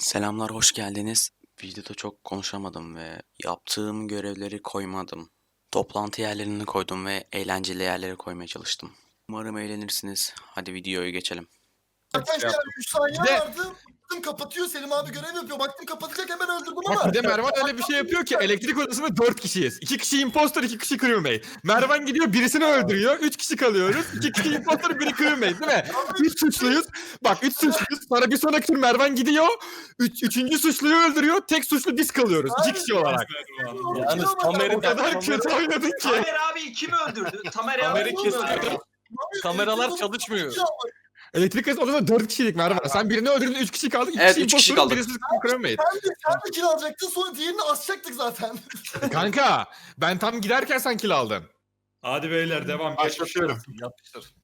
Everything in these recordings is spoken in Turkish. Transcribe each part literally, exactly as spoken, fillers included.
Selamlar, hoş geldiniz. Videoda çok konuşamadım ve yaptığım görevleri koymadım. Toplantı yerlerini koydum ve eğlenceli yerlere koymaya çalıştım. Umarım eğlenirsiniz. Hadi videoya geçelim. Arkadaşlar üç saniye Bir de- vardı. Baktım kapatıyor. Selim abi görev yapıyor. Baktım kapatacak hemen öldürdüm Bak ama. bir de Mervan öyle bir şey yapıyor ki elektrik odasında dört kişiyiz. iki kişi impostor, iki kişi crewmate. Mervan gidiyor birisini öldürüyor. Üç kişi kalıyoruz. iki kişi impostor, biri crewmate değil mi? Üç suçluyuz. Bak üç suçluyuz. Sonra bir sonraki tur Mervan gidiyor. Üç, üçüncü suçluyu öldürüyor. Tek suçlu biz kalıyoruz. İki kişi olarak. Yalnız Tamer'i O kadar kötü oynadın ki. Tamer abi kim öldürdü? Tamer abi Tamer'i kim kesiyor. öldürdü? Kameralar çalışmıyor. Elektrik odasında dört kişilik Mervan. Sen birini öldürdün, üç kişi kaldık. İki Evet, kişi üç kişi impostor, kaldık. birisi crewmate. Sen de, sen de kill alacaktın sonra diğerini asacaktık zaten. Kanka ben tam giderken sen kill aldın. Hadi beyler devam. Başlatıyorum. Yapıştır.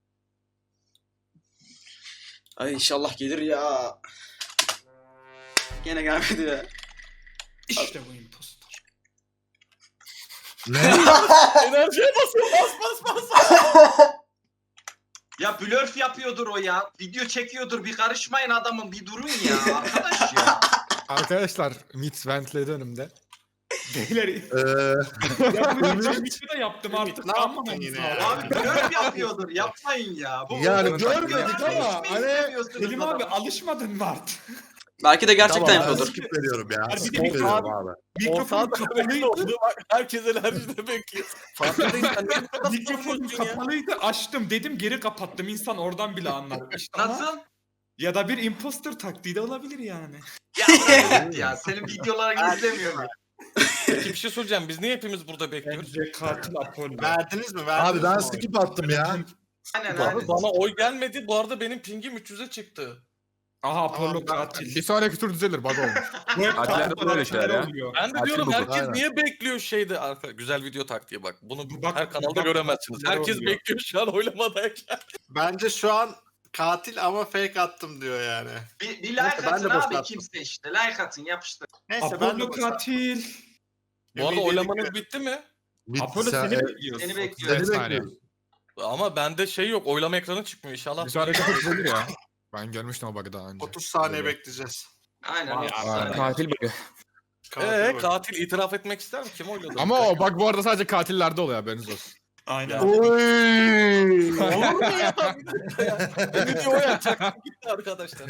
Ay inşallah gelir ya. Gene gelmedi ya. İşte bu impostor. Enerjiye basın bas bas bas. Ya blurf yapıyordur o ya. Video çekiyordur. Bir karışmayın adamın. Bir durun ya arkadaş ya. Arkadaşlar mid ventledi önümde. Beyler. Eee Ya bu Ümit'i de yaptım artık. Ne Tamam yaptın mı? yine ya? Abi blurf yapıyordur. Yapmayın ya. Bu Yani bu- görmedik bu- ama hiç mi hani- istemiyorsunuz Selim abi adamı? alışmadın mı artık? Belki de gerçekten Tamam, ben yapıyordur. skip veriyorum ya. Hadi Skip bir de- veriyorum abi. Mikrofon kapalıydı. Herkes enerjide bekliyor. Farkındayım sen niye bu kadar Mikrofon soruyorsun ya? kapalıydı. Açtım dedim geri kapattım. İnsan oradan bile anlar. İşte ama- Nasıl? Ya da bir imposter taktiği de olabilir yani. Ya evet ya. Senin videolarını izlemiyorum. Peki bir şey soracağım. Biz niye hepimiz burada bekliyoruz? Bence katil Apollo. Verdiniz mi? Verdiniz Abi ben mi? skip attım ya. Aynen Abi aynen. bana oy gelmedi. Bu arada benim pingim üç yüze çıktı. Aha Apollo Tamam, katil. bir sonraki tur düzelir bug olmuş. Bu hep Katilerde katil böyle şeyler ya. oluyor. Ben de Katil diyorum bu, herkes aynen. niye bekliyor şeyde? Arka, güzel video taktiği bak. Bunu Bak- her kanalda bak- göremezsiniz. bak- Herkes oluyor. bekliyor şu an oylamadayken. Bence şu an katil ama fake attım diyor yani. Bir, bir Neyse, like ben de atın boş abi attım. kimse işte. Like atın yapıştır. Neyse ben de Apollo boşver. katil. Bu arada Ümidi oylamanız bekliyorum. bitti mi? Bitti, Apollo sen- seni e, bekliyor. Seni Seni bekliyorum. saniye. bekliyoruz. Ama bende şey yok. Oylama ekranı çıkmıyor inşallah. Bir sonraki tur düzelir ya. Ben görmüştüm o bug'ı daha önce. otuz saniye Öyle. bekleyeceğiz. Aynen. Vay, otuz Aynen. saniye. Katil bug'ı. Katil Eee bak. katil itiraf etmek ister mi? Kim oyladı? Ama o bug bu arada sadece katillerde oluyor haberiniz olsun. Aynen. Oy! Olur mu ya? Bir dakika ya. Beni diyor ya. Çaktım gitti arkadaşlar.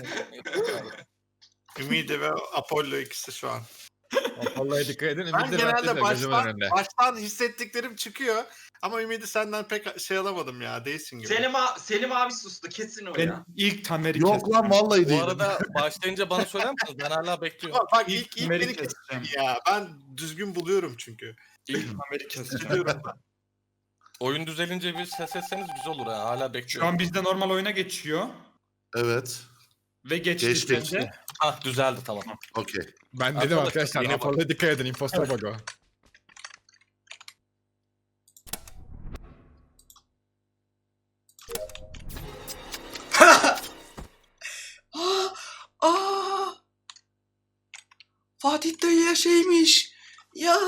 Ümidi ve Apollo ikisi şu an. Vallahi dikkat edin. Ben Ümit de genelde gözümün baştan, önünde. baştan hissettiklerim çıkıyor. Ama Ümidi senden pek şey alamadım ya. Değilsin gibi. Selim, a- Selim abi sustu kesin o ya. Ben ilk Tamer'i Yok kestim. lan vallahi Bu değilim. arada başlayınca bana söyler misiniz? Ben hala bekliyorum. Bak, bak İlk ilk, ilk Tamer'i beni keseceğim. kestin ya. Ben düzgün buluyorum çünkü. İlk Tamer'i keseceğim. Üzülüyorum ben. Oyun düzelince bir ses etseniz güzel olur ha. Hala Şu bekliyorum. an bizde normal oyuna geçiyor. Evet. Ve geçti Geçti, sende. geçti. Ah düzeldi tamam. Okey. Ben dedim Arkadaşlar, arkadaşlar. yine bak. Apollo'ya dikkat edin. Imposter bug o. Aa, aa. Fatih dayıya şeymiş. Ya.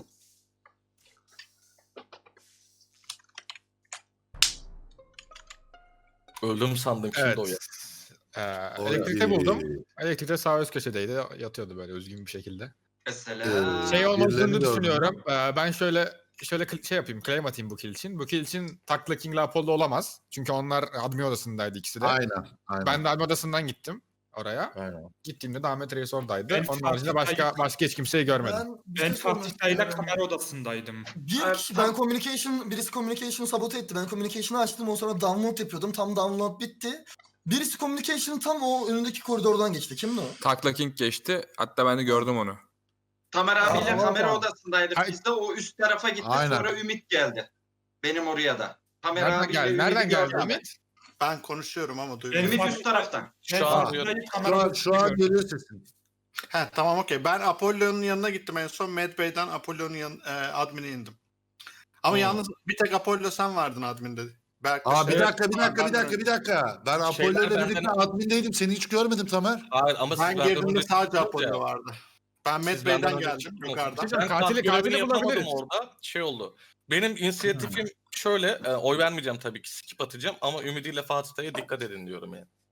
Öldüm sandım şimdi Evet. o ya. Ee, Oy. elektrikte buldum. Elektrikte sağ üst köşedeydi. Yatıyordu böyle üzgün bir şekilde. Mesela. Ee, Şey olmadığını birilerini gördüm. düşünüyorum. Ee, ben şöyle şöyle kl- şey yapayım. Claim atayım bu kill için. Bu kill için Takla King'le Apollo olamaz. Çünkü onlar admin odasındaydı ikisi de. Aynen. Aynen. Ben de admin odasından gittim oraya. Aynen. Gittiğimde de Ahmet Reis oradaydı. Ben Onun haricinde Fatih başka Dayı- başka hiç kimseyi görmedim. Ben, bir Ben şey sormak Fatih Dayı'yla istiyorum. kamera odasındaydım. Bir Evet, kişi, tam- ben communication, birisi communication'ı sabote etti. Ben communication'ı açtım. O sonra download yapıyordum. Tam download bitti. Birisi communication'ın tam o önündeki koridordan geçti. Kimdi o? Takla King geçti. Hatta ben de gördüm onu. Tamer abiyle Aa, kamera aa. odasındaydık Ay- biz de. O üst tarafa gitti Aynen. sonra Ümit geldi. Benim oraya da. Tamer Nereden abiyle geldi? Ümit'i Nereden geldi gördüm. Ümit? Ben konuşuyorum ama Ben duymuyorum. Ümit Fatih- üst taraftan. Ben Şu an Fatih duyuyorum. Dayı Şu kamera an, odasında şu an gördüm. geliyor sesin. He tamam okey. Ben Apollo'nun yanına gittim en son. Mad Bey'den Apollo'nun yan, e, admin'e indim. Ama Hmm. yalnız bir tek Apollo sen vardın adminde. Berk Aa bir şey- dakika bir dakika bir Ben- dakika bir dakika. Ben Apollo Şeyler ile benden- birlikte admindeydim. Seni hiç görmedim Tamer. Hayır ama siz Ben benden girdiğimde önce sadece çıktınız Apollo ya. vardı. Ben Mad Siz benden Bey'den önce geldim çıktınız. yukarıdan. Hocam, Ben katili- katili, katili yapamadım bulabiliriz. orada. Şey oldu. Benim inisiyatifim şöyle. e, oy vermeyeceğim tabii ki. Skip atacağım ama Ümidi ile Fatih Dayı'ya dikkat edin diyorum yani.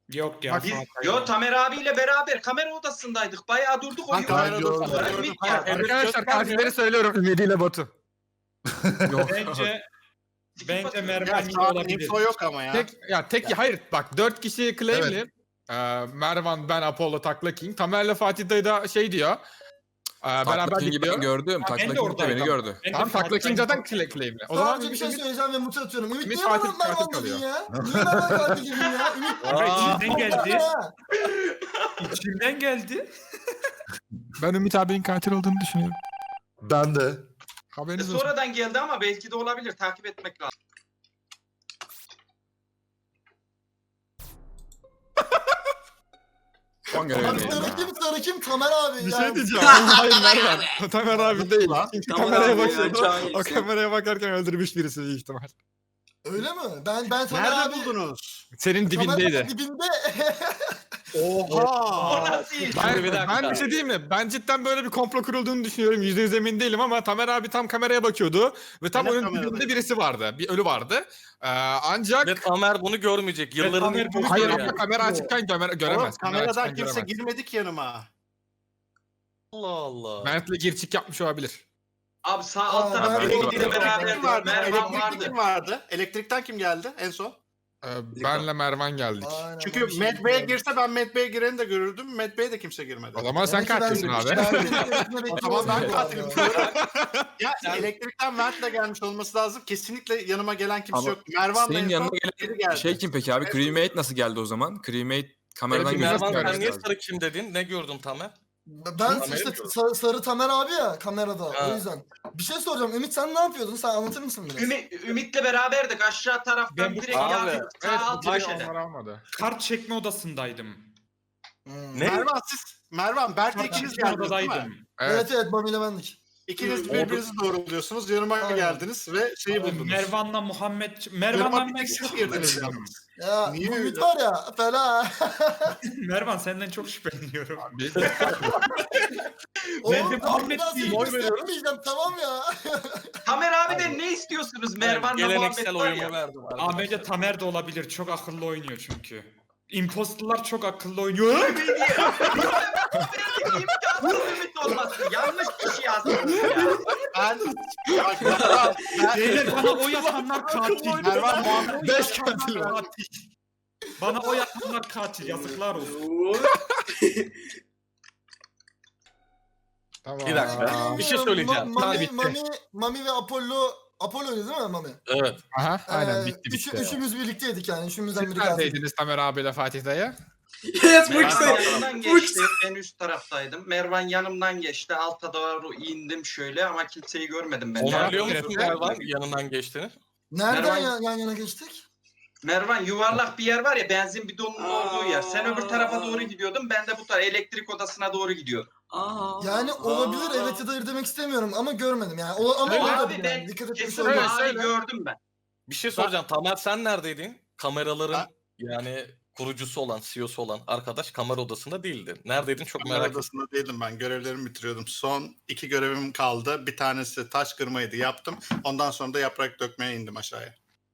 Yok ya. Bak, Biz, Fatih yo ya. Tamer abiyle beraber kamera odasındaydık. Bayağı durduk. Ben Oyun kamera oynadık. odasında Ümit gördüm. ya. Arkadaşlar katilleri söylüyorum. Ümidi ile Batu. Yok. Bence Skip bence atıyorum. Ya Mervan şu yine an olabilir. info yok ama ya. Tek ya tek hayır bak dört kişi claimli. Ee, Mervan, ben, Apollo, Takla King. Tamer'le Fatih dayı da şey diyor. Ee, beraber Takla King'i ben gidiyor. gördüm. Ha, ben Takla de King de beni oradaydım. gördü. Ben de Tamam Takla King Fatih'ten- zaten cla- claimli. O zaman Sadece bir şey Ümit- söyleyeceğim ve mute atıyorum. Ümit Ümit niye Fatih bana Mervan katil dedin kalıyor. ya? Niye Mervan katil dedin ya? Ümit Aa, İçinden geldi. ha. İçimden geldi. Ben Ümit abinin katil olduğunu düşünüyorum. Ben de. E, Haberiniz olsun. sonradan geldi ama belki de olabilir. Takip etmek lazım. Son Abi görevdeyim. sarı kim sarı kim? Tamer abi. Bir yani. şey diyeceğim. Hayır Mervan. O Tamer abi değil. Çünkü Tamer kameraya abi ya, bakıyordu. cahil. O kameraya bakarken öldürmüş birisi büyük ihtimal. Öyle mi? Ben ben Tamer Nerede abi. buldunuz? Senin Tamer dibindeydi. abi dibinde. O Oha! nasıl iş? Ben, bir dakika. ben bir şey diyeyim mi? Ben cidden böyle bir komplo kurulduğunu düşünüyorum. Yüzde yüz emin değilim ama Tamer abi tam kameraya bakıyordu. Ve tam Ben de onun kameradayım. dibinde birisi vardı. Bir ölü vardı. Ee, ancak... Ve Tamer bunu görmeyecek. Yılların Tamer ilk bunu boyu Hayır görüyor. ama yani. kamera açıkken gömer, Oğlum, göremez. Kamera kameradan açıkken kimse göremez. girmedi ki yanıma. Allah Allah. Mert'le girçik yapmış olabilir. Abi sağ Aa, alt tarafta ben- elektrikle Elektrikten beraber kim vardı? Mervan Elektrikte vardı. kim vardı? Elektrikten kim geldi en son? Ee, benle Mervan geldik. Aynen, Çünkü ben bir şey Matt Bey'e bilmiyorum. girse ben Matt Bey'e gireni de görürdüm. Matt Bey'e de kimse girmedi. O zaman sen Demek ki ben- katilsin abi. ben senin gerisini O zaman bekliyorum ben bu katilim. arada. Ya elektrikten Mert'le gelmiş olması lazım. Kesinlikle yanıma gelen kimse Ama yok. Mervan'la Senin en yanına son biri gelen geldi. şey kim peki abi? Crewmate nasıl geldi o zaman? Crewmate kameradan Öyle bir gözükmüyor. Mervan Mervan sen herhalde. niye sarı kim dedin? Ne gördün Tamer? Ben Tamer'i işte mi sarı, sarı Tamer abi ya kamerada Ha. o yüzden. Bir şey soracağım. Ümit sen ne yapıyordun? Sen anlatır mısın biraz? Ümit, Ümit'le beraberdik. Aşağı taraftan Ben bu- direkt Abi, yardım. Evet, Sağ alt bu köşede. onları almadı. Kart çekme odasındaydım. Hmm. Ne? Mervan siz, Mervan Berk'le Kart ikiniz çekme geldiniz değil mi? odadaydım. Evet. Evet evet Mami ile bendik. İkiniz Hı. birbirinizi doğruluyorsunuz. Yanıma Aynen. geldiniz ve şeyi buldunuz. Mervan'la Muhammed... Yanıma Mervan'la bir ben tek siz çok girdiniz şüpheleniyorum. yalnız. Ya Niye bu Ümit öyle? var ya fena. Mervan senden çok şüpheleniyorum. Bir- Oğlum de tamam Muhammed biraz değil, seni oy veriyorum. göstermeyeceğim tamam ya. Tamer abiden ne istiyorsunuz Mervan'la Muhammed Geleneksel var oyumu ya. verdim. Aa bence Tamer de olabilir. Çok akıllı oynuyor çünkü. Imposterlar çok akıllı oynuyor. İmkansız Ümit olması. Yanlış kişi yazdınız ya. Ben, bak Mervan, ben, Beyler bana oy atanlar katil. Mervan Muhammed Oy Beş atanlar katil var. katil. Bana oy atanlar katil. Yazıklar olsun. Tamam. Bir dakika. Bir şey söyleyeceğim. Ma- Tamam, Mami, bitti. Mami, Mami ve Apollo Apollo değil mi Mami? Evet. Aha, aynen Ee, bitti üçü- bitti. Üçümüz birlikteydik yani. Üçümüzden Siz biri katil. neredeydiniz Tamer abiyle Fatih dayı? Yes Mervan yanımdan geçti. Ben üst taraftaydım. Mervan yanımdan geçti. Alta doğru indim şöyle ama kimseyi görmedim ben. Onaylıyor Evet. musun Mervan yanından geçtiğini? Nereden Mervan- yan, yan yana geçtik? Mervan yuvarlak bir yer var ya benzin bidonunun olduğu yer. Sen öbür tarafa doğru gidiyordun. Ben de bu tarafa elektrik odasına doğru gidiyordum. Yani olabilir evet ya da hayır demek istemiyorum ama görmedim yani. O, ama Öyle olabilir abi yani. ben Dikkat etmiş kesin Söyle, olmaz. mavi söyle. gördüm ben. Bir şey soracağım. Tamer sen neredeydin? Kameraların Ha? yani kurucusu olan, C E O'su olan arkadaş kamera odasında değildi. Neredeydin çok Kamera merak ettim. odasında değildim ben. Görevlerimi bitiriyordum. Son iki görevim kaldı. Bir tanesi taş kırmaydı yaptım. Ondan sonra da yaprak dökmeye indim aşağıya.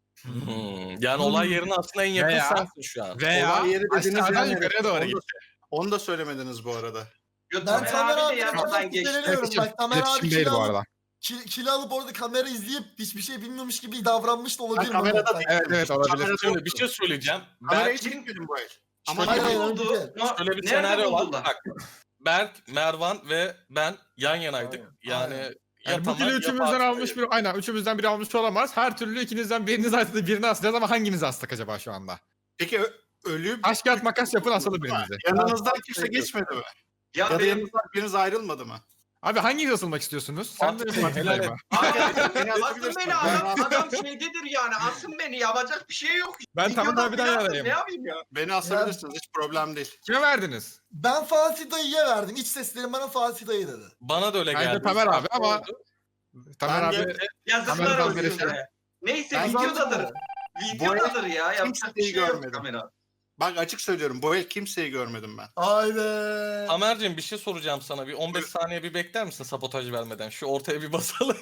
Hmm, yani olay yerine aslında en yakın Veya- sensin şu an. Veya Olay yeri dediğiniz aşağıdan yer yukarıya neresi? doğru Onu da- gitti. Onu da söylemediniz bu arada. Yo, Ben Tamer Tamer abi de abiyle yanımdan falan geçti. şüpheleniyorum. Bak Tamer abi İletişim değil kili bu alıp, arada. kil, kili alıp orada kamera izleyip hiçbir şey bilmiyormuş gibi davranmış da olabilir. Ben kamerada Muhammed. değilim. Evet evet olabilir. Kamerada Şimdi yoktu. bir şey söyleyeceğim. Kamerayı Berk, çekmedim bu el. Ama Şöyle Hayır, Nerede hayır, buldu? hayır. No- şöyle bir Nerede senaryo var. buldular? Bak, Berk, Mervan ve ben yan yanaydık. Yani Aynen. ya Yani bu Tamer kili ya üçümüzden Fatih almış dayı. bir, aynen üçümüzden biri almış olamaz. Her türlü ikinizden biriniz astığı birini asacağız ama hanginizi astık acaba şu anda? peki ö- ölü Taş kağıt makas yapın asalım birinizi. yanınızdan kimse geçmedi mi? Ya Ya da benim yanınızdan biriniz ayrılmadı mı? Abi hanginiz asılmak istiyorsunuz? Sen de Fatih, Fatih helal dayı et. mı? Beni asın asabilirsiniz. beni Ben adam, rahat- adam şeydedir yani asın beni yapacak bir şey yok. Ben Videoda Tamer abiden filan yanayım. Ne yapayım ya? Beni asabilirsiniz. Hiç problem değil. Kime verdiniz? Ben Fatih dayıya verdim. İç seslerim bana Fatih dayı dedi. Bana da öyle Bence geldi. Tamer abi ama Tamer Ben abi de- Yazıklar Kameradan olsun birisi. be. Neyse Ben videodadır. zaten- Videodadır ya. Yapacak bir kimseyi şey yok görmedim. kamera. Bak açık söylüyorum. Bu el kimseyi görmedim ben. Haydi. Tamer'cim bir şey soracağım sana. Bir on beş saniye bir bekler misin sabotaj vermeden? Şu ortaya bir basalım.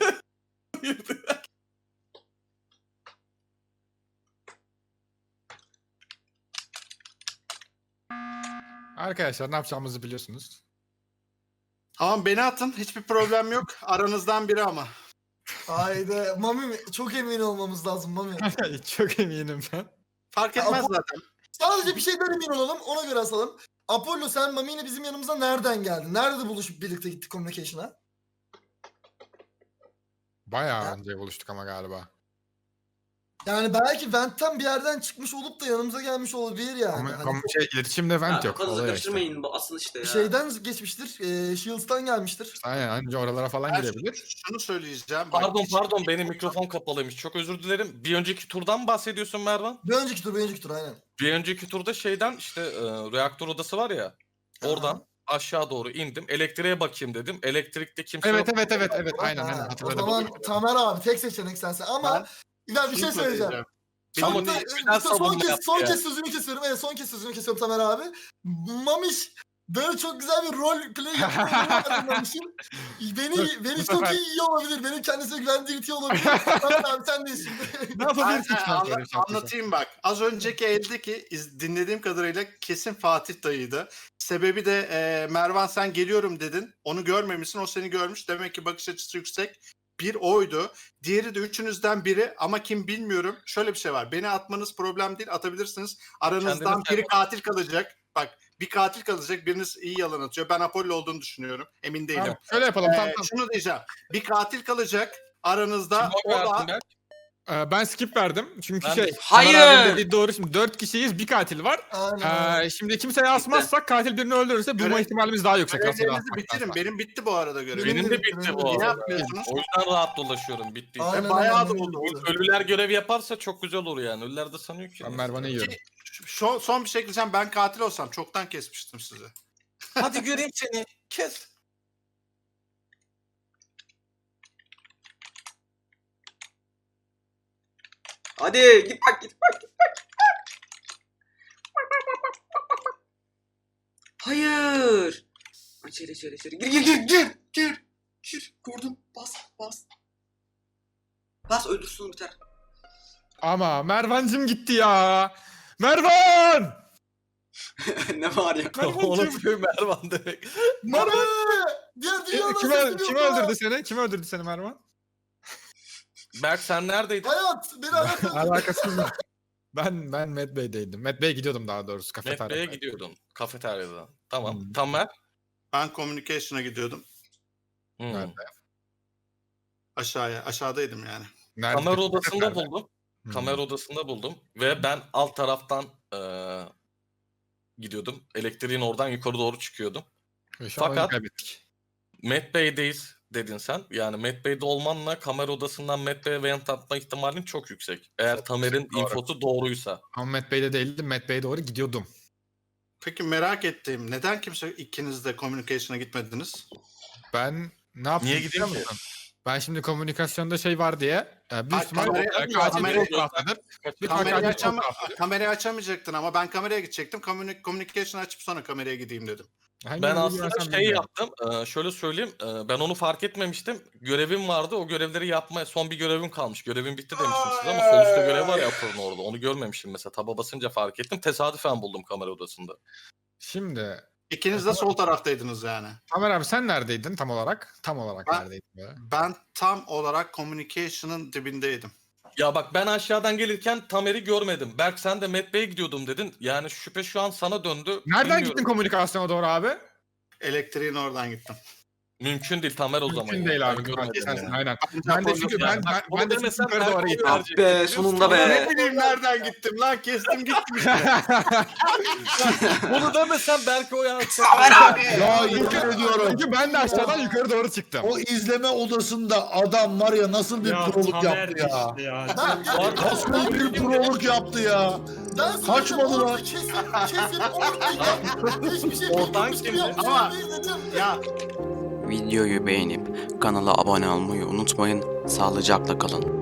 Arkadaşlar ne yapacağımızı biliyorsunuz. Tamam beni atın. Hiçbir problem yok. Aranızdan biri ama. Haydi. Mami çok emin olmamız lazım Mami. Çok eminim ben. Fark Ya, etmez bu- zaten. Sadece bir şeyden emin olalım ona göre asalım. Apollo sen Mami ile bizim yanımıza nereden geldin? Nerede buluşup birlikte gittik communication'a? Bayağı önce buluştuk ama galiba. Yani belki Vent'ten bir yerden çıkmış olup da yanımıza gelmiş olabilir yani. Ama, Hani ama şey, iletişimde event yok. Kafanızı Olay işte. karıştırmayın bu asıl işte ya. bir şeyden geçmiştir. E, Shields'tan gelmiştir. Aynen anca oralara falan Ben girebilir. şunu söyleyeceğim. Bak, Pardon hiç- pardon benim mikrofon kapalıymış. Çok özür dilerim. Bir önceki turdan mı bahsediyorsun Mervan? Bir önceki tur, bir önceki tur aynen. Bir önceki turda şeyden işte e, reaktör odası var ya. Oradan aşağı doğru indim. Elektriğe bakayım dedim. Elektrikte kimse Evet yok. evet evet evet aynen Ha, aynen o hatırladım. zaman Tamer abi tek seçenek sensin ama ben bir şey şunu söyleyeceğim. Ama Çok da- ne- neden son savunma kez, yaptı son ya? kez sözünü kesiyorum. Evet son kez sözünü kesiyorum Tamer abi. Mamiş böyle çok güzel bir rol play yapıyor Mamiş'in. Beni, beni bu çok sefer- iyi iyi olabilir. Benim kendisine güvendiğim iti olabilir. Tamer abi sen de şimdi. Ne Ben, yapabilirsin ben şu an anla- böyle bir şey yapıyorsan? anlatayım bak. Az önceki eldeki iz- dinlediğim kadarıyla kesin Fatih dayıydı. Sebebi de e, Mervan sen geliyorum dedin. Onu görmemişsin. O seni görmüş. Demek ki bakış açısı yüksek. Bir oydu. Diğeri de üçünüzden biri ama kim bilmiyorum. Şöyle bir şey var. Beni atmanız problem değil. Atabilirsiniz. Aranızdan Kendini biri sen- katil kalacak. Bak bir katil kalacak. Biriniz iyi yalan atıyor. Ben Apollo olduğunu düşünüyorum. Emin değilim. Tamam, şöyle yapalım Ee, tamam tamam. Şunu diyeceğim. Bir katil kalacak. Aranızda Kim o oy da verdin Berk? Ee, ben skip verdim çünkü Ben şey. de- Tamer Hayır! abinin dediği doğru şimdi dört kişiyiz bir katil var. Aynen. Ee, şimdi kimseye asmazsak katil birini öldürürse bulma Görev- ihtimalimiz daha yüksek. aslında görevlerinizi asmaktansa. bitirin. Benim bitti bu arada görev. Benim de Benim de- bitti benim bu de- Ne arada. yapmıyorsunuz? O yüzden rahat dolaşıyorum bittiyse. Aynen, bayağı aynen, da aynen. oldu. Ölüler görev yaparsa çok güzel olur yani. Ölüler de sanıyor ki. Ben Mervan'ı yiyorum. Şu, son bir şey diyeceğim. Ben katil olsam çoktan kesmiştim sizi. Hadi göreyim seni. Kes. Hadi git bak git bak git bak. Hayır. İçeri içeri içeri. Gir gir gir gir gir. Gir. Kurdum. Bas bas. Bas öldürsün biter. Ama Mervancım gitti ya. Mervan! Ne var ya? Onu bir Mervan demek. Mami! Diğer dünyadan Kim, sesini kim yok ya. öldürdü seni? Kim öldürdü seni Mervan? Berk sen neredeydin? Hayat beni hayat öldürdü. Alakasız mı? Ben ben Met Bey'deydim. Met Bey'e gidiyordum daha doğrusu Metbe'ye kafeteryaya. gidiyordun. Kafeteryadan. Tamam. Hmm. Tamer. Ben communication'a gidiyordum. Hmm. Nerede? Aşağıya. Aşağıdaydım yani. Nerede? Kamera odasında Nerede? buldum. Hmm. Kamera odasında buldum. Ve ben alt taraftan eee, gidiyordum. Elektriğin oradan yukarı doğru çıkıyordum. Ve şu an oyunu Fakat- kaybettik. Met Bey'deyiz dedin sen. Yani Met Bey'de olmanla kamera odasından Met Bey'e vent atma ihtimalin çok yüksek. Eğer Çok Tamer'in yüksek, doğru. infosu doğruysa. Ama Met Bey'de değildim. Met Bey'e doğru gidiyordum. Peki merak ettiğim neden kimse ikiniz de communication'a gitmediniz? Ben ne yaptım? Niye biliyor gideyim ki? musun? Ben şimdi komünikasyonda şey var diye. E, büyük Ay, ihtimal kamerayı- e, katil kamerayı- bir taraftadır. Bir Kamerayı, katil açama- sol taraftadır. kamerayı açamayacaktın ama ben kameraya gidecektim. Communi- Communication açıp sonra kameraya gideyim dedim. Hangi Ben yolu aslında girersem şey bilmiyorum. yaptım. eee, şöyle söyleyeyim. eee, ben onu fark etmemiştim. Görevim vardı. O görevleri yapmaya son bir görevim kalmış. Görevim bitti demiştim size ama sol üstte görev var ya Apollo'nun orada. Onu görmemişim mesela. Taba basınca fark ettim. Tesadüfen buldum kamera odasında. Şimdi İkiniz de sol taraftaydınız yani. Tamer abi sen neredeydin tam olarak? Tam olarak Ben- neredeydin böyle? Ben tam olarak communication'ın dibindeydim. Ya bak ben aşağıdan gelirken Tamer'i görmedim. Berk sen de Met Bey'e gidiyordum dedin. Yani şüphe şu an sana döndü. Nereden Bilmiyorum. gittin komünikasyona doğru abi? Elektriğin oradan gittim. Mümkün değil Tamer o zaman. Mümkün ya. değil Ben abi. görmedim Katil sensin yani. aynen. Bence Ben de Apollo- çünkü Yani ben, bak, ben, onu ben de demesen yukarı Berk doğru oy gittim. verecek. Ah be sonunda be. Ne bileyim nereden gittim lan kestim gittim işte. Bunu demesen belki o yani. Tamer abi. Ya yemin ediyorum. Çünkü ben de aşağıdan yukarı doğru çıktım. O izleme odasında adam var ya nasıl bir Ya proluk Tamer yaptı ya. işte ya. Ben, Nasıl bir proluk yaptı ya. ben size Kaçmadı orada lan. Kesin, kesin oradayım. Hiçbir şey Oradan bilmiyormuş gibi kimdi? yaptım. Ama- dedim. Ya Videoyu beğenip kanala abone olmayı unutmayın. Sağlıcakla kalın.